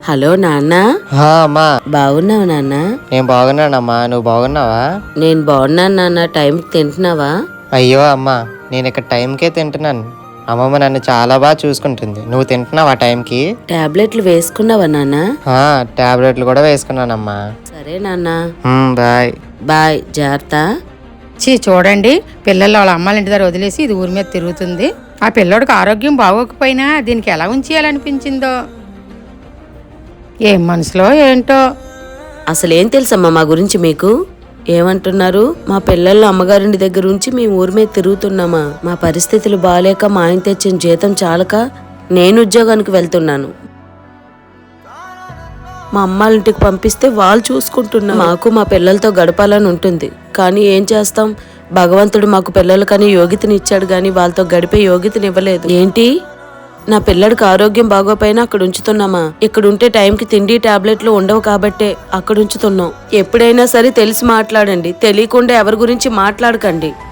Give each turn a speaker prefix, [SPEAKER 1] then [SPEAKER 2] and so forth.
[SPEAKER 1] Hello నాన్న.
[SPEAKER 2] అమ్మా
[SPEAKER 1] బాగున్నావు నాన్న?
[SPEAKER 2] నేను బాగున్నానమ్మా, నువ్వు బాగున్నావా?
[SPEAKER 1] నేను బాగున్నాను నాన్న. టైంకి తింటున్నావా?
[SPEAKER 2] అయ్యో అమ్మా, నేను ఇక్కడ టైంకే తింటున్నాను. అమ్మమ్మ నన్ను చాలా బాగా చూసుకుంటుంది. నువ్వు తింటున్నావా టైంకి?
[SPEAKER 1] టాబ్లెట్లు వేసుకున్నావా నాన్న?
[SPEAKER 2] టాబ్లెట్లు కూడా వేసుకున్నానమ్మా.
[SPEAKER 1] సరే నాన్న.
[SPEAKER 2] బాయ్.
[SPEAKER 1] బాయ్, జాగ్రత్త.
[SPEAKER 3] చూడండి, పిల్లలు వాళ్ళ అమ్మాళ్ళ ఇంటి దగ్గర వదిలేసి ఇది ఊరి మీద తిరుగుతుంది. ఆ పిల్లోడికి ఆరోగ్యం బాగోకపోయినా దీనికి ఎలా ఉంచేయాలనిపించిందో, ఏం మనసులో ఏంటో.
[SPEAKER 1] అసలేం తెలుసమ్మా మా గురించి మీకు? ఏమంటున్నారు? మా పిల్లలు అమ్మగారింటి దగ్గర ఉంచి మేము ఊరి మీద తిరుగుతున్నామా? మా పరిస్థితులు బాగాలేక మా ఆయన తెచ్చిన జీతం చాలక నేను ఉద్యోగానికి వెళ్తున్నాను. మా అమ్మాళ్ళ ఇంటికి పంపిస్తే వాళ్ళు చూసుకుంటున్నారు. మాకు మా పిల్లలతో గడపాలని ఉంటుంది, కానీ ఏం చేస్తాం? భగవంతుడు మాకు పిల్లలు కానీ యోగ్యతని ఇచ్చాడు, కానీ వాళ్ళతో గడిపే యోగ్యతని ఇవ్వలేదు. ఏంటి, నా పిల్లడికి ఆరోగ్యం బాగోపోయినా అక్కడ ఉంచుతున్నామా? ఇక్కడ ఉంటే టైంకి తిండి టాబ్లెట్లు ఉండవు కాబట్టే అక్కడ ఉంచుతున్నాం. ఎప్పుడైనా సరే తెలిసి మాట్లాడండి, తెలియకుండా ఎవరి గురించి మాట్లాడకండి.